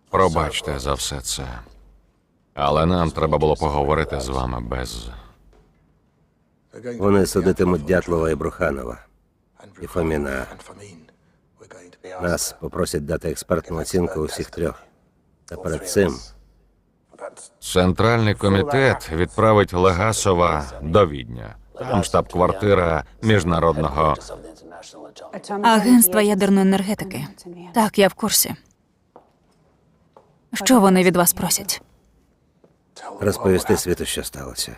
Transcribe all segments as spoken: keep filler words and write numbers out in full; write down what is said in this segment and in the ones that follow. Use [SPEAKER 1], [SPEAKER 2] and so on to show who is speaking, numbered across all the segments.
[SPEAKER 1] Пробачте за все це. Але нам треба було поговорити з вами без...
[SPEAKER 2] Вони судитимуть Дятлова і Бруханова, і Фоміна. Нас попросять дати експертну оцінку усіх трьох. Та перед цим
[SPEAKER 1] Центральний комітет відправить Легасова до Відня. Там штаб-квартира міжнародного...
[SPEAKER 3] Агентства ядерної енергетики. Так, я в курсі. Що вони від вас просять?
[SPEAKER 2] розповісти світу, що сталося.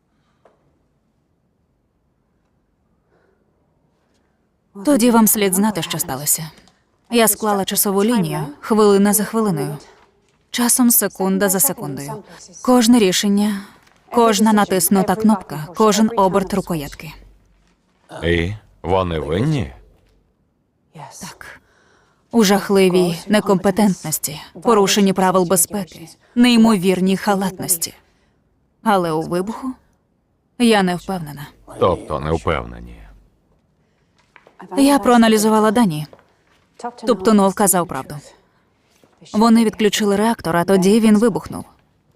[SPEAKER 3] Тоді вам слід знати, що сталося. Я склала часову лінію хвилина за хвилиною. Часом секунда за секундою. Кожне рішення, кожна натиснута кнопка, кожен оберт рукоятки.
[SPEAKER 1] І вони винні?
[SPEAKER 3] Так. У жахливій некомпетентності, порушенні правил безпеки, неймовірній халатності. Але у вибуху я не впевнена.
[SPEAKER 1] Тобто не впевнені.
[SPEAKER 3] Я проаналізувала дані. Туптунов казав правду. Вони відключили реактор, а тоді він вибухнув.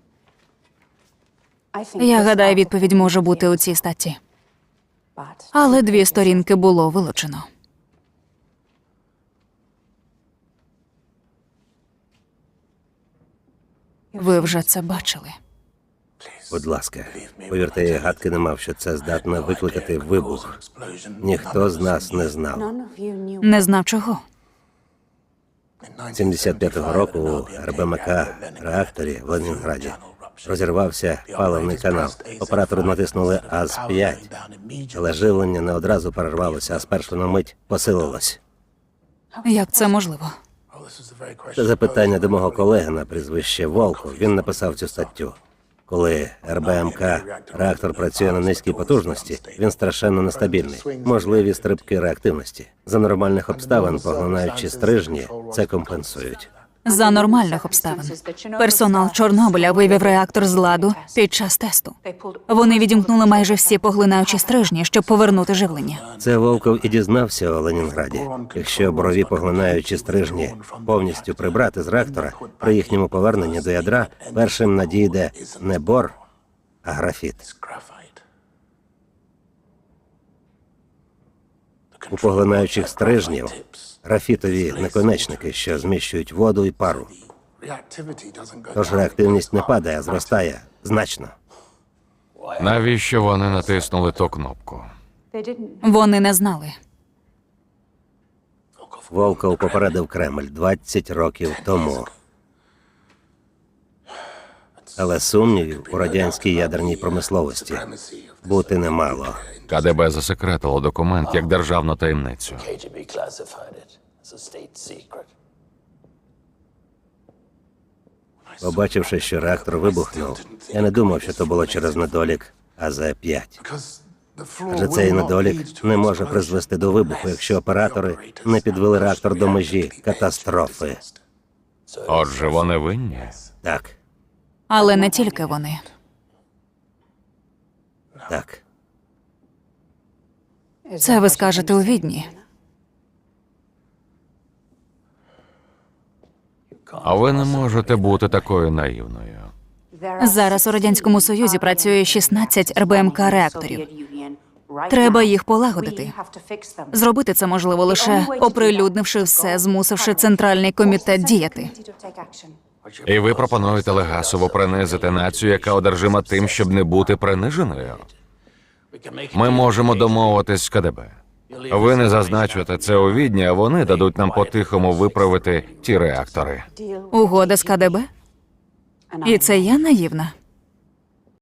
[SPEAKER 3] Я гадаю, відповідь може бути у цій статті. Але дві сторінки було вилучено. Ви вже це бачили.
[SPEAKER 2] Будь ласка, повірте, я гадки не мав, що це здатно викликати вибух. Ніхто з нас не знав.
[SPEAKER 3] Не знав чого.
[SPEAKER 2] сімдесят п'ятого року у ер бе ем ка реакторі в Ленінграді розірвався паливний канал. Оператори натиснули а з п'ять, але живлення не одразу перервалося, а спершу на мить посилилось.
[SPEAKER 3] Як це можливо?
[SPEAKER 2] Це запитання до мого колеги на прізвище Волков. Він написав цю статтю. Коли ер бе ем ка реактор працює на низькій потужності, він страшенно нестабільний. Можливі стрибки реактивності. За нормальних обставин, поглинаючи стрижні, це компенсують.
[SPEAKER 3] За нормальних обставин. Персонал Чорнобиля вивів реактор з ладу під час тесту. Вони відімкнули майже всі поглинаючі стрижні, щоб повернути живлення.
[SPEAKER 2] Це Волков і дізнався у Ленінграді. Якщо борові поглинаючі стрижні повністю прибрати з реактора, при їхньому поверненні до ядра першим надійде не бор, а графіт. У поглинаючих стрижнів графітові наконечники, що зміщують воду і пару. Тож реактивність не падає, а зростає значно.
[SPEAKER 1] Навіщо вони натиснули ту кнопку?
[SPEAKER 3] Вони не знали.
[SPEAKER 2] Волков попередив Кремль двадцять років тому. Але сумнівів у радянській ядерній промисловості бути не мало.
[SPEAKER 1] ка де бе засекретило документ як державну таємницю.
[SPEAKER 2] Побачивши, що реактор вибухнув, я не думав, що то було через недолік а зет п'ять. Адже цей недолік не може призвести до вибуху, якщо оператори не підвели реактор до межі катастрофи.
[SPEAKER 1] Отже, вони винні?
[SPEAKER 2] Так,
[SPEAKER 3] Але не тільки вони.
[SPEAKER 2] так.
[SPEAKER 3] Це ви скажете у Відні.
[SPEAKER 1] А ви не можете бути такою наївною.
[SPEAKER 3] Зараз у Радянському Союзі працює шістнадцять ер бе ем ка реакторів. Треба їх полагодити. Зробити це можливо лише оприлюднивши все, змусивши Центральний комітет діяти.
[SPEAKER 1] І ви пропонуєте Легасову принизити націю, яка одержима тим, щоб не бути приниженою? Ми можемо домовитись з ка де бе. Ви не зазначуєте це у Відні, а вони дадуть нам по-тихому виправити ті реактори.
[SPEAKER 3] Угода з ка де бе? І це я наївна?